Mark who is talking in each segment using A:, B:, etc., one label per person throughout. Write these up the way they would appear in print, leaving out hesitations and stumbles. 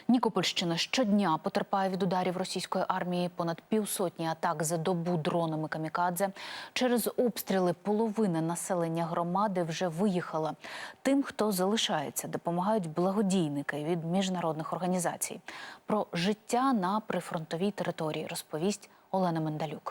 A: Нікопольщина щодня потерпає від ударів російської армії. Понад півсотні атак за добу дронами камікадзе. Через обстріли половина населення громади вже виїхала. Тим, хто залишається, допомагають благодійники від міжнародних організацій. Про життя на прифронтовій території розповість Олена Мендалюк.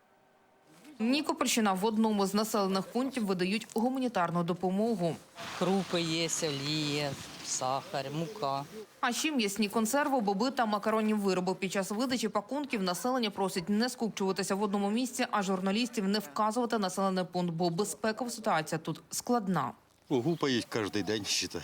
B: Нікопольщина в одному з населених пунктів видають гуманітарну допомогу.
C: Крупи є, олія, сахар, мука.
B: А ще м'ясні консерви, боби та макаронні вироби. Під час видачі пакунків населення просить не скупчуватися в одному місці, а журналістів не вказувати населений пункт, бо безпекова ситуація тут складна.
D: Гупають кожен день, считай.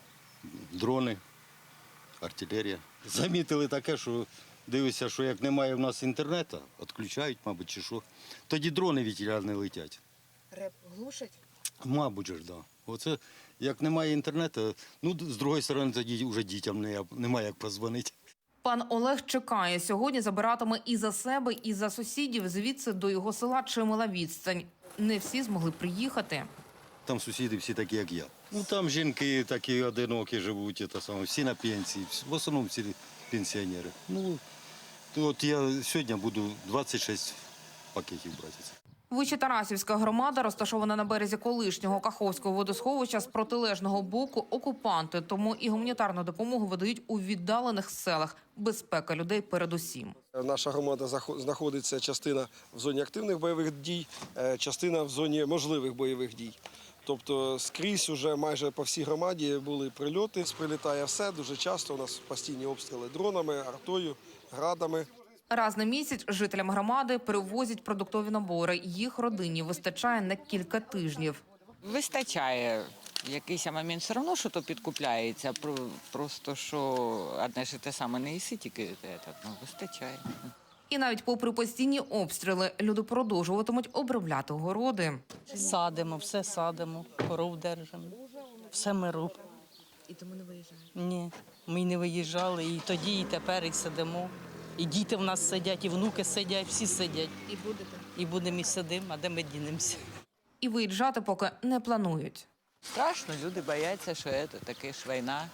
D: Дрони, артилерія. Замітили таке, що дивишся, що як немає в нас інтернету, відключають, мабуть, чи що. Тоді дрони від тіля не летять.
B: Реп глушать?
D: Мабуть ж, так. Да. Оце, як немає інтернету, ну, з другої сторони, тоді вже дітям немає як позвонити.
B: Пан Олег чекає. Сьогодні забиратиме і за себе, і за сусідів. Звідси до його села чимала відстань. Не всі змогли приїхати.
D: Там сусіди всі такі, як я. Ну, там жінки такі одинокі живуть, всі на пенсії, в основному всі пенсіонери. Ну, от я сьогодні буду 26 пакетів брати.
B: Вищетарасівська громада розташована на березі колишнього Каховського водосховища, з протилежного боку окупанти. Тому і гуманітарну допомогу видають у віддалених селах. Безпека людей передусім.
E: Наша громада знаходиться частина в зоні активних бойових дій, частина в зоні можливих бойових дій. Тобто скрізь уже майже по всій громаді були прильоти. Прилітає все, дуже часто у нас постійні обстріли дронами, артою, градами.
B: Раз на місяць жителям громади перевозять продуктові набори. Їх родині вистачає на кілька тижнів.
C: Вистачає. В якийсь момент все одно, що то підкупляється. Просто, що одне ж те саме не їси, тільки вистачає.
B: І навіть попри постійні обстріли, люди продовжуватимуть обробляти городи.
F: Садимо, все садимо, коров держимо, все ми робимо.
B: І тому не виїжджаєте?
F: Ні, ми не виїжджали, і тоді, і тепер, і сидимо. І діти в нас сидять, і внуки сидять, всі сидять.
B: І будете?
F: І будемо, і сидимо, а де ми дінемося?
B: І виїжджати поки не планують.
C: Страшно, люди бояться, що це таке ж війна.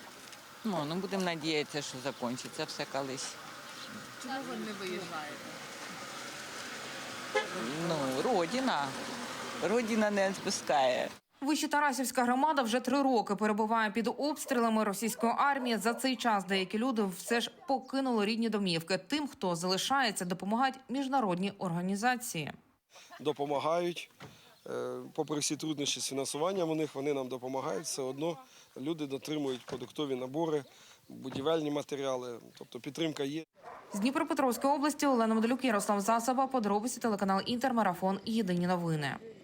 C: Ну, будемо сподіватися, що закінчиться все колись.
B: Чому ви не виїжджаєте?
C: Родина. Родина не відпускає.
B: Вищетарасівська громада вже 3 роки перебуває під обстрілами російської армії. За цей час деякі люди все ж покинули рідні домівки. Тим, хто залишається, допомагають міжнародні організації.
E: Допомагають, попри всі труднощі з фінансуванням у них, вони нам допомагають. Все одно люди дотримують продуктові набори, будівельні матеріали, тобто підтримка є.
B: З Дніпропетровської області Олена Мендалюк, Ярослав Засоба, подробиці телеканал Інтермарафон. Єдині новини.